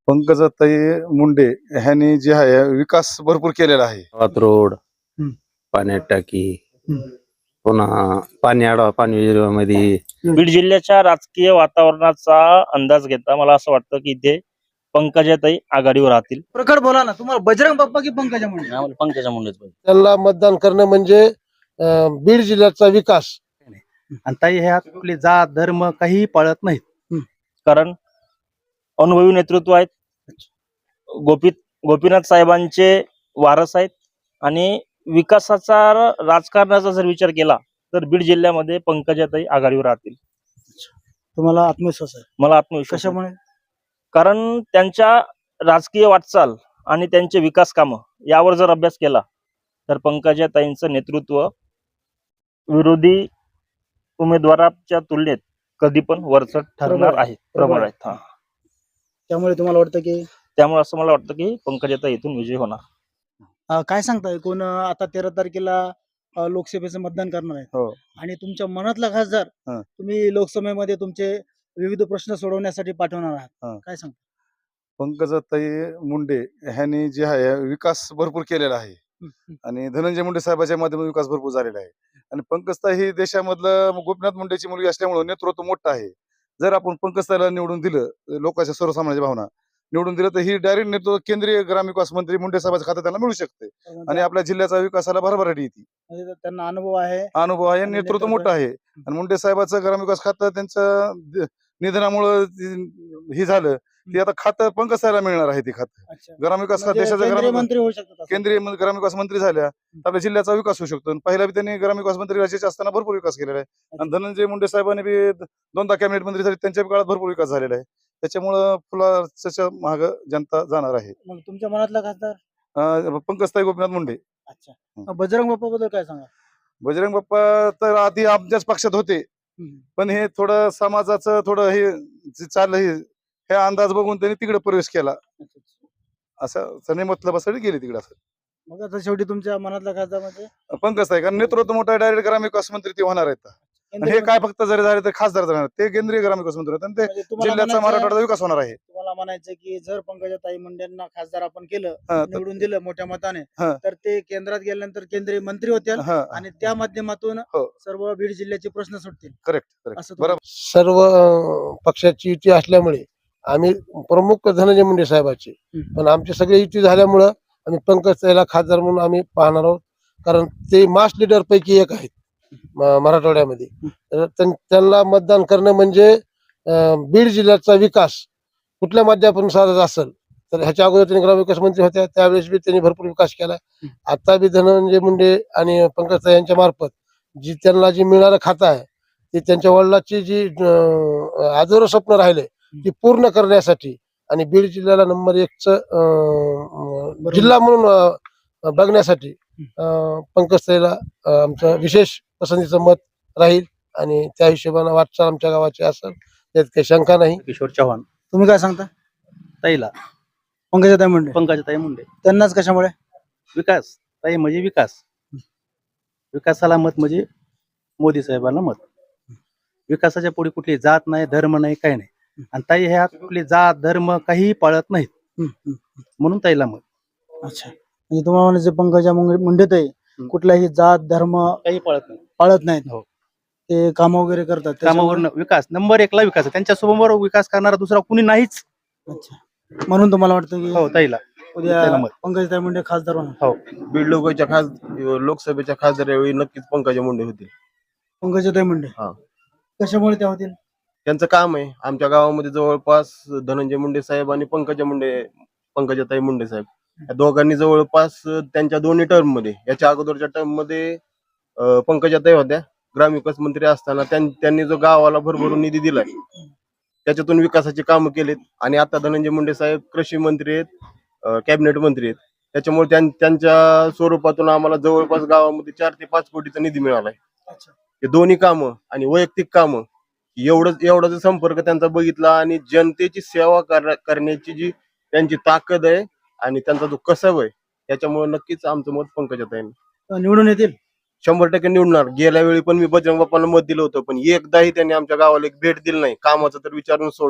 पंकजाताई मुंडे ह्यांनी जे आहे विकास भरपूर केलेला आहे. गावात रोड, हम्म. पाण्यात टाकी, हम्म. पुन्हा पाणी आडवा पाणी मध्ये बीड जिल्ह्याच्या राजकीय वातावरणाचा अंदाज घेता मला असं वाटतं की इथे पंकजाताई आघाडीवर राहतील. प्रकट बोला ना, तुम्हाला बजरंग बाप्पा की पंकजा मुंडे? आम्हाला पंकजा मुंडेच पाहिजे. त्यांना मतदान करणं म्हणजे बीड जिल्ह्याचा विकास. आणि ताई ह्या कुठली जात धर्म काही पाळत नाहीत. कारण अनुभवी नेतृत्व आहेत, गोपीनाथ साहेबांचे वारस आहेत आणि विकासाचा राजकारणाचा जर विचार केला तर बीड जिल्ह्यामध्ये पंकजाताई आघाडीवर राहतील. तुम्हाला आत्मविश्वास आहे? मला आत्मविश्वास आहे. कशामुळे? कारण त्यांच्या राजकीय वाटचाल आणि त्यांचे विकास कामं यावर जर अभ्यास केला तर पंकजाताईंचं नेतृत्व विरोधी उमेदवाराच्या तुलनेत कधी पण वरचढ ठरणार आहे, प्रबळ आहेत. हा, त्यामुळे तुम्हाला वाटतं की त्यामुळे असं मला वाटतं की पंकजाताई इथून विजय होणार. काय सांगताय, कोण आता 13 तारखेला लोकसभेचं मतदान करणार आहे हो. आणि तुमच्या मनातला खासदार हा. तुम्ही लोकसभेमध्ये तुमचे विविध प्रश्न सोडवण्यासाठी पाठवणार आहात, हा. काय सांगता? पंकजाताई मुंडे ह्यांनी जे आहे विकास भरपूर केलेला आहे आणि धनंजय मुंडे साहेबांच्या माध्यमातून विकास भरपूर झालेला आहे. आणि पंकजताई ही देशामधलं गोपीनाथ मुंडेची मुलगी असल्यामुळे नेतृत्व मोठं आहे. जर आपण पंकजताईला निवडून दिलं, लोकांच्या सर्वसामान्यांच्या भावना निवडून दिलं, तर ही डायरेक्ट नेतृत्व केंद्रीय ग्रामविकास मंत्री मुंडे साहेबांच्या खात्यात त्यांना मिळू शकते आणि आपल्या जिल्ह्याचा विकासाला भरभराटी येते. म्हणजे त्यांना अनुभव आहे, अनुभव आहे, आणि नेतृत्व नेतृत्व मोठं आहे. आणि मुंडे साहेबांचं ग्रामविकास खातं त्यांचं निधनामुळं हे झालं, ते आता खातं पंकजताईला मिळणार आहे. ते खातं अच्छा, ग्रामविकास खातं म्हणजे देशाचा केंद्रीय मंत्री होऊ शकतात असं? केंद्रीय ग्रामविकास मंत्री झाल्या तर आपल्या जिल्ह्याचा विकास होऊ शकतो. आणि पहिला बी त्यांनी ग्रामविकास मंत्री राज्याचे असताना भरपूर विकास केलेला आहे. आणि धनंजय मुंडे साहेबांनी बी 2दा कॅबिनेट मंत्री झाले, त्यांच्या काळात भरपूर विकास झालेला आहे. त्याच्यामुळं फुलाच्या माग जनता जाणार आहे. मग तुमच्या मनातला खासदार? पंकजताई गोपीनाथ मुंडे. अच्छा, बजरंग बाप्पा बद्दल काय सांगा? बजरंग बाप्पा तर आधी आमच्याच पक्षात होते, पण हे थोडं समाजाचं थोडं हे जे चाललं हे अंदाज बघून त्यांनी तिकडे प्रवेश केला. असं सने मतलबासाठी गेले तिकडे. असं मग आता शेवटी तुमच्या मनातला खासदार म्हणजे पंकजताई, कारण नेतृत्व मोठा डायरेक्ट ग्रामविकास मंत्री ते होणार आहेत. आणि केंद्रीय हे काय मंत्री? फक्त जरी झाले तर खासदार जाणार, ते केंद्रीय ग्रामविकास मंत्री होते आणि ते म्हणजे तुम्हाला जिल्ह्याचा म्हणायचं- मराठवाड्याचा विकास होणार आहे. तुम्हाला म्हणायचं की जर पंकजाताई मुंडेंना खासदार आपण केलं, हा, तर- निवडून दिलं मोठ्या मताने, हा. तर ते केंद्रात गेल्यानंतर केंद्रीय मंत्री होतील हा, आणि त्या माध्यमातून हो. सर्व बीड जिल्ह्याचे प्रश्न सुटतील. करेक्ट असं बरोबर. सर्व पक्षाची युती असल्यामुळे आम्ही प्रमुख धनंजय मुंडे साहेबांचे, पण आमची सगळी युती झाल्यामुळं आम्ही पंकजताईला खासदार म्हणून आम्ही पाहणार आहोत. कारण ते मास लीडर पैकी एक आहेत मराठवाड्यामध्ये. तर त्यांना मतदान करणं म्हणजे बीड जिल्ह्याचा विकास कुठल्या माध्यमातून साधत असेल तर ह्याच्या अगोदर त्यांनी ग्रामविकास मंत्री होत्या, त्यावेळेस बी त्यांनी भरपूर विकास केला. आता बी धनंजय मुंडे आणि पंकजताई यांच्या मार्फत त्यांना जी मिळणारं खातं आहे ते त्यांच्या वडिलांची जी आजोर स्वप्न राहिले ती पूर्ण करण्यासाठी आणि बीड जिल्ह्याला नंबर 1च जिल्हा म्हणून बघण्यासाठी पंकजताईला आमचं विशेष पसंतीचं मत राहील आणि त्या हिशोबाने वाटचाल आमच्या गावाची असेल, त्यात काही शंका नाही. किशोर चव्हाण तुम्ही काय सांगता? ताईला पंकजाताई मुंडे. पंकजाताई मुंडे. त्यांनाच कशामुळे? विकास ताई म्हणजे विकास, विकासाला मत म्हणजे मोदी साहेबांना मत. विकासाच्या पुढे कुठली जात नाही, धर्म नाही, काही नाही. आणि ताई ह्या कुठली जात धर्म काही पाळत नाहीत, म्हणून ताईला मत. अच्छा, म्हणजे तुम्हाला म्हणायचं पंकजा मुंडेताई कुठलाही जात धर्म काही पाळत नाही. पाळत नाहीत, हो. ते काम वगैरे करतात कामावर विकास नंबर 1ला विकास आहे. त्यांच्या समोर विकास करणारा दुसरा कुणी नाहीच. अच्छा, म्हणून तुम्हाला वाटतं की हो, ताईला उद्या ताईला मत. पंकजाताई मुंडे खासदार होणार? हो. बीड लोकसभेच्या खासदार यावेळी नक्कीच पंकजा मुंडे होतील. पंकजाताई मुंडे. हा. कशामुळे त्या होतील? त्यांचं काम आहे. आमच्या गावामध्ये जवळपास धनंजय मुंडे साहेब आणि पंकजाताई मुंडे साहेब या दोघांनी जवळपास त्यांच्या दोन्ही टर्म मध्ये, याच्या अगोदरच्या टर्म मध्ये पंकजाताई होत्या ग्रामविकास मंत्री असताना, त्यांनी जो गावाला भरभरून निधी दिलाय त्याच्यातून विकासाची कामं केलीत. आणि आता धनंजय मुंडे साहेब कृषी मंत्री आहेत, कॅबिनेट मंत्री आहेत. त्याच्यामुळे त्यांच्या स्वरूपातून आम्हाला जवळपास गावामध्ये 4 ते 5 कोटीचा निधी मिळालाय. हे दोन्ही कामं आणि वैयक्तिक कामं एवढा जो संपर्क त्यांचा बघितला आणि जनतेची सेवा करण्याची जी त्यांची ताकद आहे आणि त्यांचा जो कसब आहे, त्याच्यामुळे नक्कीच आमचं मत पंकजाताई निवडून येतील 100% निवडणार. गेल्या वेळी पण मी बजरंग बाप्पांना मत दिलं होतं, पण एकदाही त्यांनी आमच्या गावाला एक भेट दिली नाही. कामाचं तर विचारून सोडून द्या.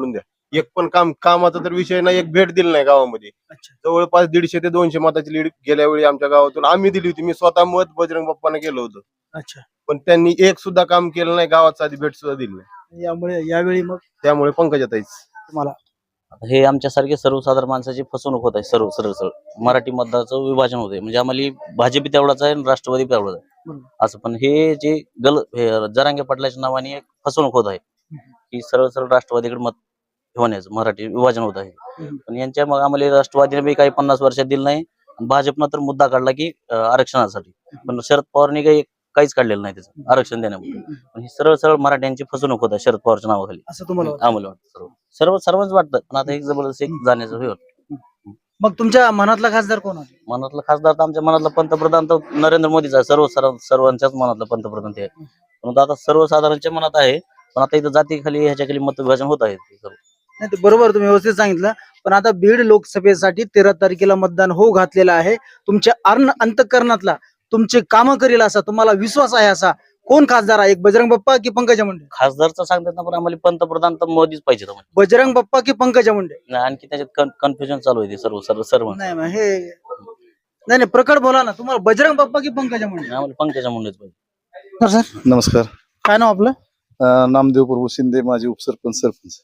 एक पण कामाचा तर विषय नाही, एक भेट दिली नाही गावामध्ये. अच्छा. जवळपास 150 ते 200 मताची लीड गेल्या वेळी आमच्या गावातून आम्ही दिली होती. मी स्वतः मत बजरंग बाप्पांना केलं होतं, अच्छा. पण त्यांनी एक सुद्धा काम केलं नाही, गावात साधी भेट सुद्धा दिली नाही. यामुळे यावेळी मग त्यामुळे पंकजाताईच. तुम्हाला हे आमच्यासारखे सर्वसाधारण माणसाची फसवणूक होत आहे. सरळ मराठी मतदाराचं विभाजन होते. म्हणजे आम्हाला भाजप तेवढाच आहे आणि राष्ट्रवादी तेवढाच आहे बरोबर. असं. पण हे जे हे जरांगे पाटलाच्या नावाने एक फसवणूक होत आहे की सरळ राष्ट्रवादीकडे मत होण्याचं मराठी विभाजन होत आहे. पण यांच्या मग आम्हाला राष्ट्रवादीने बी काही 50 वर्षात दिलं नाही आणि भाजपनं तर मुद्दा काढला की आरक्षणासाठी. पण शरद पवारने काहीच काढलेलं नाही त्याचं आरक्षण देण्यामध्ये. पण ही सरळ मराठ्यांची फसवणूक होत आहे शरद पवारच्या नावाखाली असं तुम्हाला वाटतं? आम्हाला वाटतं. सर्वच वाटतं, पण आता एक जबरदस्त एक जाण्याचं हे होतं. मग तुमच्या मनातला खासदार कोण आहे? मनातला खासदार तर आमच्या मनातला पंतप्रधान तर नरेंद्र मोदीच आहे. सर्वांच्याच मनातला पंतप्रधान ते आहे. परंतु आता सर्वसाधारणच्या मनात आहे, पण आता इथं जातीखाली ह्याच्याखाली मत विभाजन होत आहे. नाही ते बरोबर तुम्ही व्यवस्थित सांगितलं. पण आता बीड लोकसभेसाठी 13 तारखेला मतदान होऊ घातलेलं आहे. तुमच्या अंतःकरणातला तुमचे कामं करेल असा तुम्हाला विश्वास आहे असा कोण खासदार आहे? एक बजरंग बाप्पा की पंकजा मुंडे? खासदारचं सांगतात ना, पण आम्हाला पंतप्रधान तर मोदीच पाहिजे. बजरंग बाप्पा की पंकजा मुंडे? आणखी त्याच्यात कन्फ्युजन चालू आहे ते सर्व नाही मग हे नाही प्रकट बोला ना, तुम्हाला बजरंग बाप्पा की पंकजा मुंडे? आम्हाला पंकजा मुंडेच पाहिजे. सर नमस्कार. काय नाव आपलं? नामदेव प्रभू शिंदे, माजी सरपंच.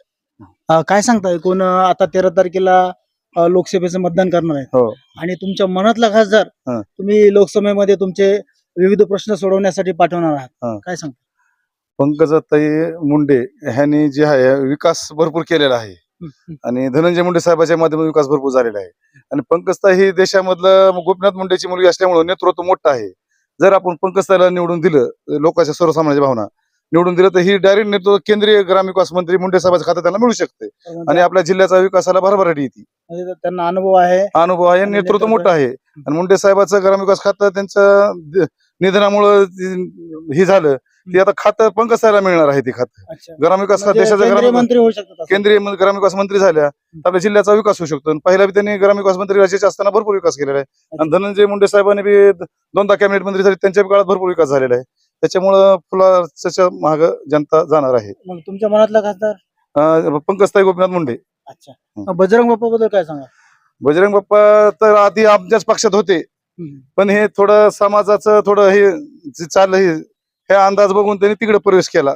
काय सांगताय कोण आता 13 तारखेला लोकसभेचं मतदान करणार आहे हो. आणि तुमच्या मनातला खासदार हा. तुम्ही लोकसभेमध्ये तुमचे विविध प्रश्न सोडवण्यासाठी पाठवणार हा. आहात, काय सांगता? पंकजाताई मुंडे ह्यांनी जे आहे विकास भरपूर केलेला आहे आणि धनंजय मुंडे साहेबांच्या माध्यमातून विकास भरपूर झालेला आहे. आणि पंकजताई ही देशामधलं गोपीनाथ मुंडेची मुलगी असल्यामुळे नेतृत्व मोठं आहे. जर आपण पंकजताईला निवडून दिलं, लोकांच्या सर्वसामान्यांच्या भावना निवडून दिलं, तर ही डायरेक्ट नेतृत्व केंद्रीय ग्रामविकास मंत्री मुंडे साहेबांच्या खात्यात त्यांना मिळू शकते आणि आपल्या जिल्ह्याचा विकासाला भरभराटी येते. म्हणजे त्यांना अनुभव आहे. अनुभव आहे, नेतृत्व मोठं आहे. आणि मुंडे साहेबांचं ग्रामविकास खातं त्यांच्या निधनामुळं हे झालं, ते आता खातं पंकजताईला मिळणार आहे. ते खातं अच्छा. ग्रामविकास खात म्हणजे देशाचा केंद्रीय मंत्री होऊ शकतात असं? केंद्रीय ग्रामविकास मंत्री झाल्या तर आपल्या जिल्ह्याचा विकास होऊ शकतो. आणि पहिला बी त्यांनी ग्रामविकास मंत्री राज्याचे असताना भरपूर विकास केलेला आहे. आणि धनंजय मुंडे साहेबांनी बी 2दा कॅबिनेट मंत्री झाले, त्यांच्या काळात भरपूर विकास झालेला आहे. त्याच्यामुळं फुलाच्या माग जनता जाणार आहे. मग तुमच्या मनातला खासदार? पंकजताई गोपीनाथ मुंडे. अच्छा. बजरंग बाप्पा बद्दल काय सांगा? बजरंग बाप्पा तर आधी आमच्याच पक्षात होते, पण हे थोडं समाजाचं थोडं हे जे चाललं हे अंदाज बघून त्यांनी तिकडे प्रवेश केला,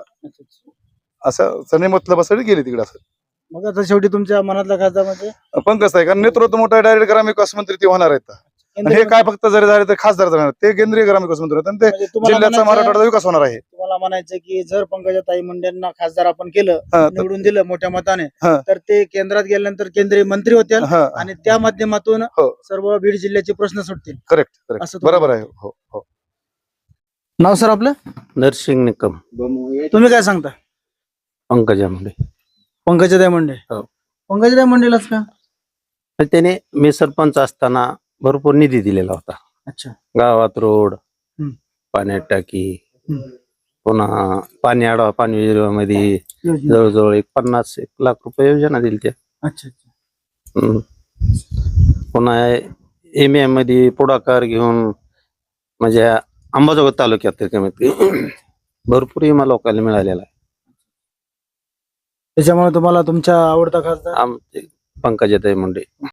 असं सने मतलबासाठी गेले तिकडे. असं मग आता शेवटी तुमच्या मनातला खासदार म्हणजे पंकजताई, कारण नेतृत्व मोठं डायरेक्ट ग्रामविकास मंत्री ते होणार आहेत. आणि हे काय फक्त जरी झाले तर खासदार जाणार, ते केंद्रीय ग्रामविकास मंत्री होते आणि ते म्हणजे तुम्हाला जिल्ह्याचा म्हणायचं- मराठवाड्याचा विकास होणार आहे. तुम्हाला म्हणायचं की जर पंकजाताई मुंडेंना खासदार आपण केलं, हा, निवडून दिलं मोठ्या मताने, हा. तर ते केंद्रात गेल्यानंतर केंद्रीय मंत्री होतील हा, आणि त्या माध्यमातून हो. सर्व बीड जिल्ह्याचे प्रश्न सुटतील. करेक्ट असं तुम्हाला- बरोबर आहे. हो हो. नाव सर आपलं? नरसिंग निकम, तुम्ही काय सांगता? पंकजा मुंडे. पंकजाताई मुंडे. हो. पंकजाताई मुंडेलाच का? तर त्याने मी सरपंच असताना भरपूर निधी दिलेला होता. अच्छा. गावात रोड, हम्म. पाण्यात टाकी, हम्म. पुन्हा पाणी आडवा पाणी योजनेमध्ये योजना. जवळजवळ 50-1 लाख रुपये योजना दिली त्या. अच्छा अच्छा. पुन्हा एमएम मध्ये पुढाकार घेऊन म्हणजे अंबाजोगाई तालुक्यात तर कमीत कमी भरपूर विमा लोकांना मिळालेला आहे. त्याच्यामुळे तुम्हाला तुमचा आवडता खासदार? आमचे पंकजाताई मुंडे.